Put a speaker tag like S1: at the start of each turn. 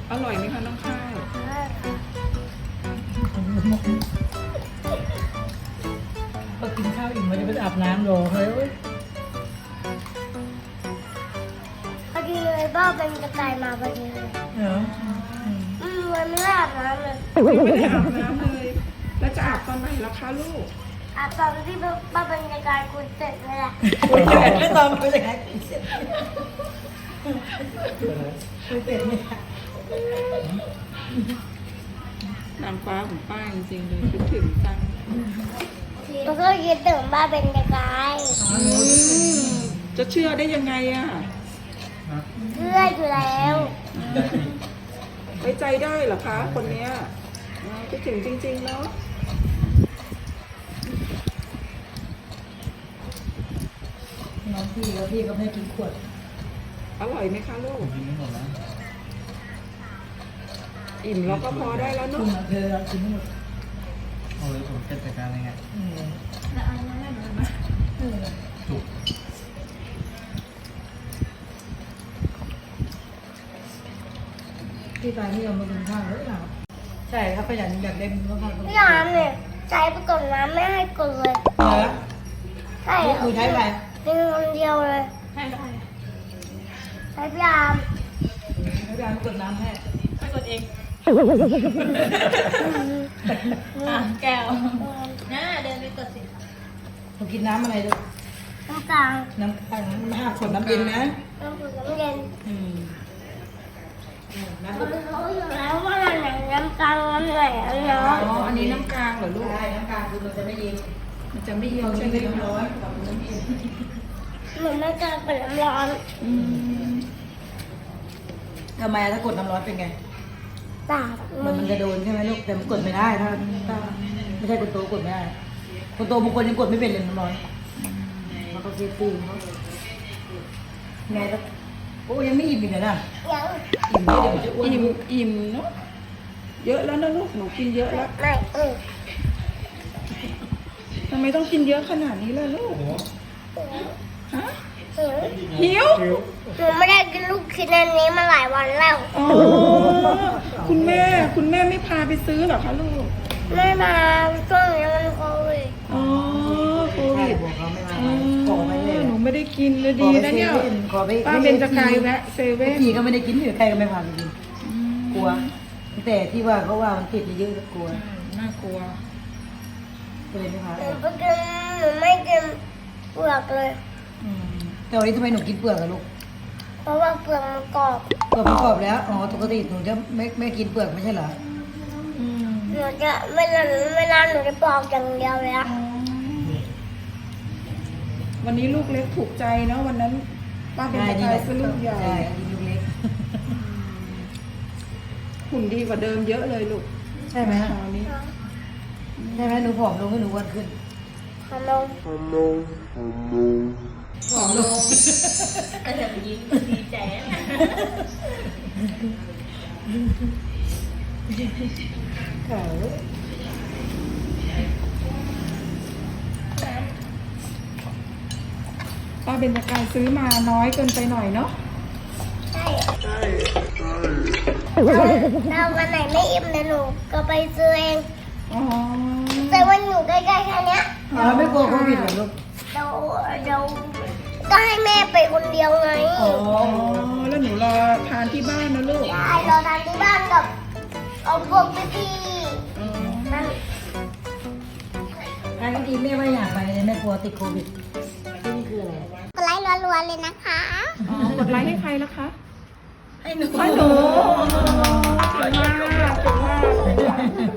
S1: อร่อยไหมคะน้องข้าว
S2: พอกินข้าวอิ่มมันจะไปอาบน้ำรอเฮ้ย
S3: พอดีเลยบ้าเป็นกระต่ายมาพอดีเลย
S2: เหรอ
S3: มันไม่ได้อาบน้ำเลย
S1: ไม่ได้อาบน้ำเลย แล้วจะอาบตอนไหนล่ะคะลูก
S3: อาบตอนที่บ้าเป็นกระต่ายคุณเสร็จเลยแหละ
S2: ไม่ตอนไม่ได้เสร็จไม่เสร็จเนี่ย
S1: นางฟ้าของป้าจริงๆเลยคิดถึงจัง
S3: มันก็คิดถึงบ้าเป็นกระต่าย
S1: จะเชื่อได้ยังไงอ่ะ
S3: เชื่ออยู่แล้ว
S1: ไว้ใจได้เหรอคะ คนเนี้ยคิดถึงจริงๆเนาะ
S2: น้องพี่แล้วพี่ก็ไม่ให้กินขวด
S1: อร่อยไหมคะลูก
S4: กินไม่หมดนะ
S1: อิ่มแล้วก็พอได้แล้ว
S2: คุณ
S1: เนาะ
S2: เธอกินทั้งหมด
S4: โอ้ยผมจะจัดการยังไง ถูก
S2: พี่ตายไม่ยอมมากินข้าวเลยเราใช่ครับขยันอยากได้ข้าว
S3: พี่ยามเนี่ยใช้ไปกดน้ำไม่ให้กดเลย
S2: เหรอ
S3: ใช่
S2: หนูใช้อะไร
S3: เป็นคนเดียวเลยใช่พี่ยาม
S2: ไม่ได้กดน้ำให้
S5: แก้วน่าเดินไปกดสิ
S2: หนูกินน้ำอะไรลูก
S3: น้ำกลาง
S2: น้ำไม่ห้ามขวดน้ำเย็นนะ
S3: น้ำผึ้งน้ำเย็น
S2: น้ำ
S3: มันรู้อยู่แล้วว่าอันไหนน้ำกลางอันไหนอัน
S1: อ๋
S3: ร้อน
S1: อ อันนี้น้ำกลางเหรอลูก
S2: ใช่น้ำกลางคือมันจะไม่เย็น
S1: มันจะไม่เย็น
S2: เรา
S1: ใช่
S2: ใช้
S1: ไหม
S2: น้ำ
S1: คะ
S2: ร้อนกับน้ำเย็น
S3: เหมือนน้ำกลางเป็นน้ำร้อน
S1: อืม
S2: ทำไมถ้ากดน้ำร้อนเป็นไง
S3: ตาก
S2: มันจะโดนใช่ไหมลูกแต่มันกดไม่ได้ถ้าไม่ใช่คนโตกดไม่ได้คนโตบางคนยังกดไม่เป็นเลยน้ำร้อนเขาก็เซฟตี้เขาไงแล้วโอ้ยังไม่อิ่มอีกเหรอน่ะ
S3: ยัง
S2: อิ่มไม่เดี๋ยวมันจะอ้วน
S1: อิ่มเนาะ เยอะแล้วนะลูก หนูกินเยอะแล้ว
S3: ไม่
S1: ทำไมต้องกินเยอะขนาดนี้ล่ะลูก ฮะ
S3: หิว
S1: หิว
S3: หนูไม่ได้กินลูกชิ้นอันนี้มาหลายวันแล้ว
S1: อ๋อ คุณแม่ไม่พาไปซื้อเหรอคะลูก
S3: ไม่มาช่วงนี้มันโควิด
S1: อ๋อโค
S2: ใช่
S1: วิด
S2: บอกเขาไม่มา
S1: อ๋อ
S2: ขอไปเลย
S1: หนูไม่ได้กินเลยดีนะเนี่ย
S2: ขอไป
S1: ป้าเบญจกายแวะเซเว่น
S2: พี่ก็ไม่ได้กินอยู่ใครก็ไม่พาไปกินกลัว แต่ที่ว่าเขาว่ามันติดเยอะๆกลัว
S1: น่ากลัว
S2: ก็เลยไม่พา
S3: ห
S2: ไป
S3: นูไปกินหนูไม่กินเปลือกเลย
S2: แต่วันนี้ทำไมหนูกินเปลือกอะลูก
S3: เพราะว่าเปลือกมันกรอบ
S2: เปลือกมันกรอบแล้ว อ๋อปกติหนูจะไม่กินเปลือกไม่ใช่เหรอ
S3: หนูจะเวลาหนูจะปอกอย่างเดียวเลยอะ
S1: วันนี้ลูกเล็กถูกใจเนาะวันนั้น ป้าเบญจกายซื้อลูกใหญ่
S2: ใช่ดีลูกเล็ก
S1: หุ่นดีกว่าเดิมเยอะเลยลูก
S2: ใช่ไหม
S1: คราวนี้
S2: ใช่ไหมหนูผอมลงให้หนูอ้วนขึ้น
S3: ขนม
S1: ผอมลง
S5: ยิ้มดีใจนะ
S2: เขา
S1: ป้าเบญจกายซื้อมาน้อยเกินไปหน่อยเนาะ
S3: ใช่เราวันไหนไม่อิ่มนะหนูก็ไปซื้อเอง
S1: อ๋อ
S3: แต่วันอยู่ใกล้ๆแค่เนี้ย
S2: อ๋อไม่กลัวโควิดเหรอลูก
S3: เราก็ให้แม่ไปคนเดียวไง
S2: อ๋อ
S1: อ๋อ แล้วหนูรอทานที่บ้านนะลูก
S3: ได้เราทานที่บ้านกับเอาพวกพี่
S1: อ๋อ
S3: ๆนั่น
S2: ไอ้เมื่อกี้แม่ไม่อยากไปเลยแม่กลัวติดโควิดที่นี่คืออะไร
S3: กดไลค์รัวๆเลยนะคะ
S1: อ๋อกดไลค์ให้ใครล่ะคะ
S2: ให้หนู
S1: ให้หนู